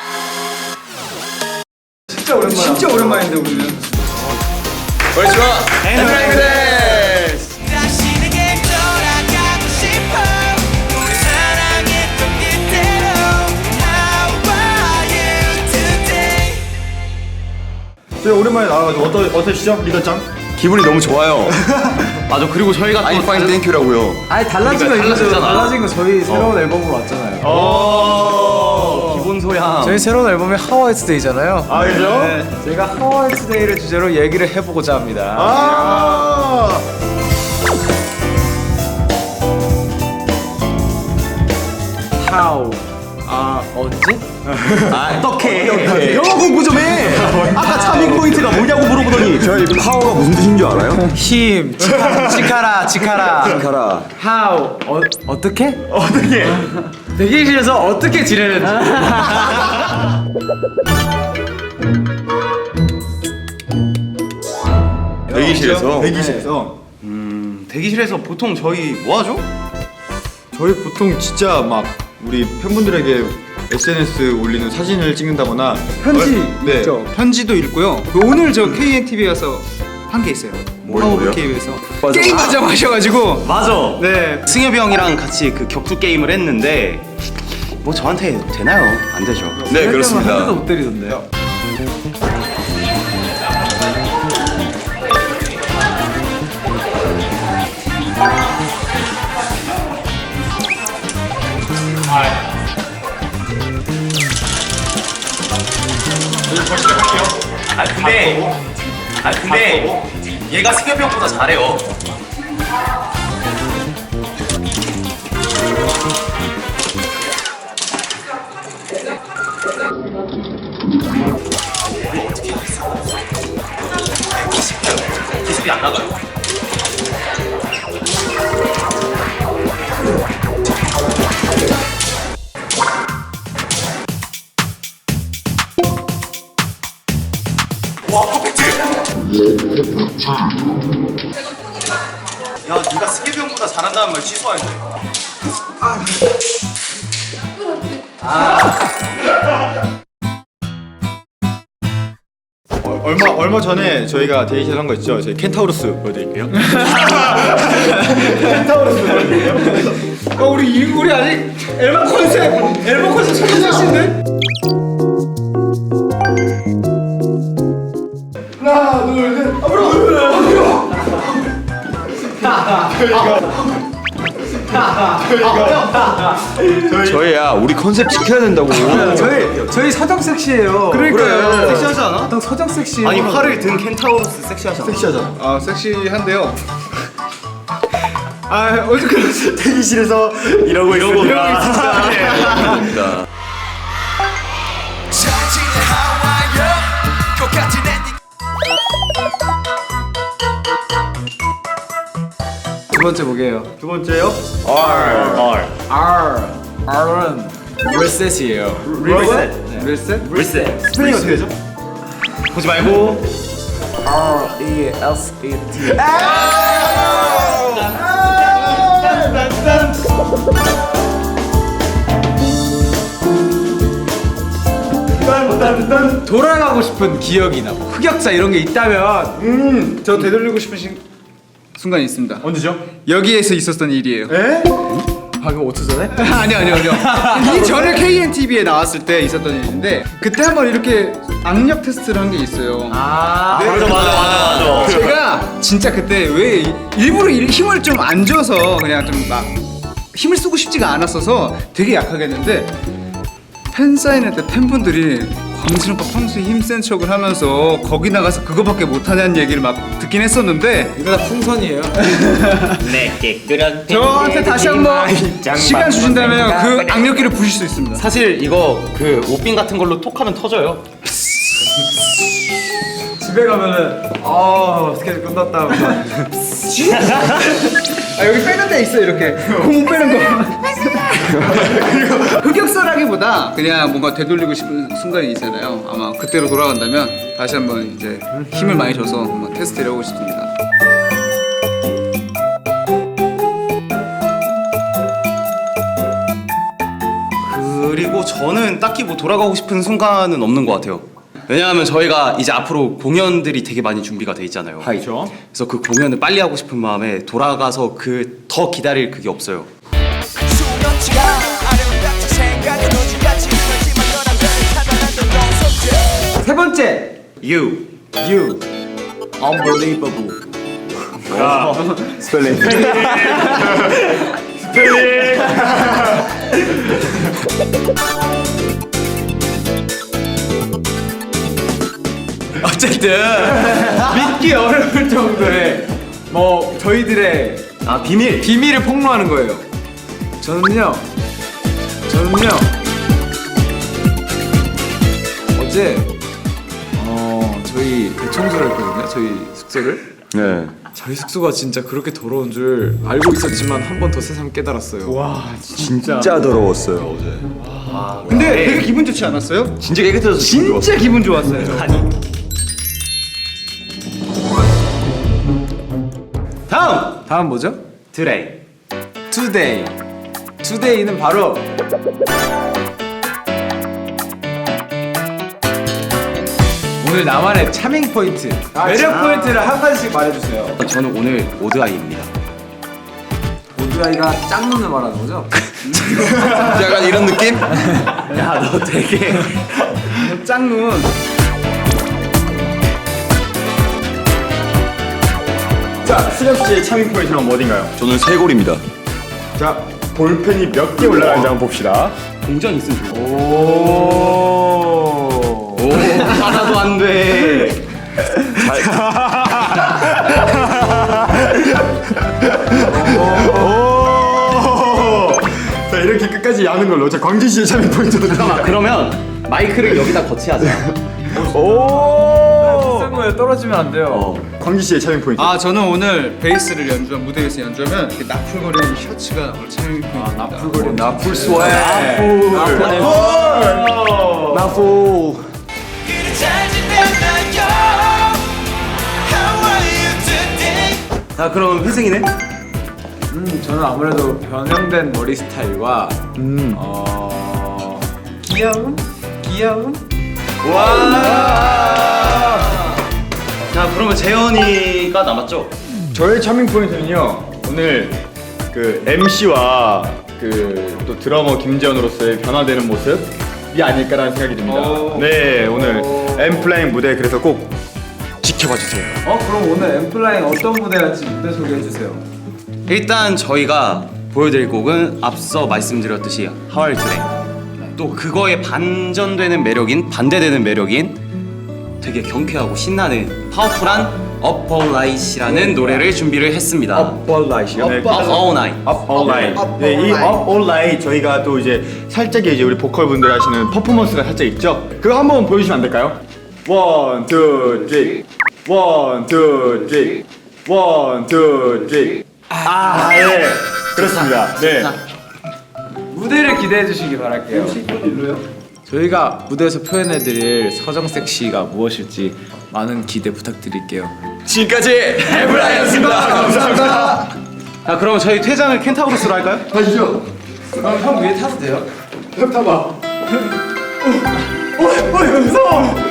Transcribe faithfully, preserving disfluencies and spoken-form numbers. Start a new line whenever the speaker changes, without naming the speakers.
진짜 오랜만에. 진짜 오랜만인데 우리는.
벌써 엔드라이브데스.
저희 오랜만에 나와가지고 어떠 어떠시죠, 리더짱?
기분이 너무 좋아요.
맞아. 그리고 저희가 또
아이 파인 땡큐라고요.
아니 달라진 거
그러니까
이거죠.
달라졌잖아.
달라진 거 저희 새로운 앨범으로 왔잖아요.
어 기본 소양.
저희 새로운 앨범이
아
하와이트데이잖아요.
그죠?
네, 제가 하와이트데이를 주제로 얘기를 해보고자 합니다.
아.
How? 아 언제?
아, 어떻게?
영어 공부 좀 해. 아까 차밍 포인트가 뭐냐고 물어보더니.
저희 파워가 무슨 뜻인 줄 알아요?
힘, 치카라, 치카라, 치카라.
가라.
How? 어 어떻게?
어떻게?
대기실에서 어떻게 지내는지.
대기실에서.
대기실에서.
대기실에서 보통 저희 뭐 하죠?
저희 보통 진짜 막 우리 팬분들에게 에스엔에스 올리는 사진을 찍는다거나
편지
어, 네.
있죠. 편지도 읽고요. 그 오늘 저 케이엔티비에 가서 한 게 있어요.
뭐요?
파워블 케이비에서
맞아.
게임 하자고 하셔가지고
맞아.
네.
승엽이 형이랑 같이 그 격투 게임을 했는데 뭐 저한테 되나요? 안 되죠.
네,
한 대도
그렇습니다.
못 때리던데요.
아 근데 아 근데 얘가 승엽이 형보다 잘해요. 기술이 안 나가요. 와 퍼펙트! 야 네가 승엽이 형보다 잘한다는 말 취소해야 돼.
어, 얼마 얼마 전에 저희가 대기실 한 거 있죠. 저희 켄타우로스 보여드릴게요. 켄타우로스 보여드릴게요.
어 우리 이- 우리 아직 앨범 컨셉 앨범 컨셉 찾으시는데?
하나, 둘, 셋. 앞으로.
저희야 우리 컨셉 지켜야 된다고.
저희 저희 서정 섹시해요.
그러니까요.
섹시하지 않아?
어떤 서정 섹시.
아니 활을 든 켄타우로스 섹시하잖아.
섹시하잖아.
아 섹시한데요. 아 어저께
대기실에서
이러고 이러고
그러니까.
두 번째 뭐게요?
두 번째요.
R R은 리셋이에요.
리셋.
리셋?
리셋.
스펠링 어떻게 되죠?
보지 말고.
R E S E T. 돌아가고 싶은 기억이나 뭐 흑역사 이런 게 있다면
음, 저 되돌리고 싶은 시, 순간이 있습니다.
언제죠?
여기에서 있었던 일이에요.
에?
방금 오 초 전에?
아니요 아니요 아니요. 이 전에 케이엔티비에 나왔을 때 있었던 일인데 그때 한번 이렇게 악력 테스트를 한 게 있어요.
아,
맞아 맞아 맞아 맞아.
제가 진짜 그때 왜 일부러 일- 힘을 좀 안 줘서 그냥 좀 막 힘을 쓰고 싶지가 않았어서 되게 약하게 했는데 팬사인회 때 팬분들이 광진 오빠 평소에 힘센 척을 하면서 거기 나가서 그거밖에 못하냐는 얘기를 막 듣긴 했었는데
이거 다 풍선이에요.
내게 끓여.
저한테 다시 한번 시간 주신다면 그 악력기를 부실 수 있습니다.
사실 이거 그 옷빈 같은 걸로 톡하면 터져요.
집에 가면은 아 스케줄 끝났다.
아 여기 빼는 데 있어 이렇게 공 빼는 거. 그리고 흑역사라기보다 그냥 뭔가 되돌리고 싶은 순간이 있잖아요. 아마 그때로 돌아간다면 다시 한번 이제 힘을 많이 줘서 한번 테스트를 해보고 싶습니다.
그리고 저는 딱히 뭐 돌아가고 싶은 순간은 없는 것 같아요. 왜냐하면 저희가 이제 앞으로 공연들이 되게 많이 준비가 돼 있잖아요.
그렇죠.
그래서 그 공연을 빨리 하고 싶은 마음에 돌아가서 그 더 기다릴 그게 없어요.
수면치가 아름답지 생각은 오지같이 하지만 너란 별을 찾아난 널 속죄
세 번째
You.
You Unbelievable.
스펠링.
어쨌든 믿기 어려울 정도의 뭐 저희들의
아 비밀.
비밀을 폭로하는 거예요. 저는요, 저는요 어제 어 저희 대청소를 했거든요. 저희 숙소를.
네.
저희 숙소가 진짜 그렇게 더러운 줄 알고 있었지만 한 번 더 새삼 깨달았어요. 와,
진짜 더러웠어요 어제.
근데 되게 기분 좋지 않았어요?
진짜 깨끗해서
진짜 기분 좋았어요.
다음.
다음 뭐죠?
드레이.
Today. Today는 바로 오늘 나만의 차밍 포인트, 매력 포인트를 한 가지씩 말해주세요.
저는 오늘 오드아이입니다.
오드라이가 짝눈을 말하는 거죠?
약간 이런 느낌?
야 너 되게
짝눈.
자, 수렵 씨의 차밍 포인트는 어딘가요?
저는 쇄골입니다.
자, 볼펜이 몇 개 올라가는지 한번 봅시다.
공전 있으면 좋고.
오.
오 하나도 안 돼.
오. 자, 이렇게 끝까지 야는 걸로. 자, 광진 씨의 차밍 포인트도
잠깐만 그러면 마이크를 여기다 거치하자.
오.
비싼 거에 떨어지면 안 돼요.
어.
광진 씨의 차밍 포인트.
아 저는 오늘 베이스를 연주한 무대에서 연주하면 이렇게 나풀거리는 셔츠가 오늘 차밍 포인트입니다.
나풀거리는 나풀 스웨.
나풀.
길을 찾은 나요 How are you today
자 그럼 회승이네.
음, 저는 아무래도 변형된 머리 스타일과
음.
어 귀여움, 귀여움.
자 그러면 재현이가 남았죠?
저의 차밍 포인트는요. 오늘 그 엠씨와 그 또 드러머 김재현으로서의 변화되는 모습이 아닐까라는 생각이 듭니다.
오.
네, 오늘 엠플라잉 무대 그래서 꼭 지켜봐 주세요.
어 그럼 오늘 엠플라잉 어떤 무대할지 무대 소개해 주세요.
일단 저희가 보여드릴 곡은 앞서 말씀드렸듯이 하와이 트레인. 또 그거에 반전되는 매력인 반대되는 매력인 되게 경쾌하고 신나는 파워풀한 Up All Night이라는 노래를 준비를 했습니다.
Up All Night이요? 네,
Up All Night.
Up All Night. 네, 이 Up All Night 저희가 또 이제 살짝 이제 우리 보컬 분들 하시는 퍼포먼스가 살짝 있죠. 그거 한번 보여주시면 안 될까요? One, two, three. One, two, three. One, two, three. 아, 예, 그렇습니다. 네.
무대를 기대해 주시기 바랄게요. 저희가 무대에서 표현해드릴 서정 섹시가 무엇일지 많은 기대 부탁드릴게요.
지금까지 엠플라잉이었습니다. 감사합니다.
자 그럼 저희 퇴장을 켄타우로스로 할까요?
가시죠.
그럼 형 위에 타도 돼요?
타봐. 오, 오, 오, 무서워.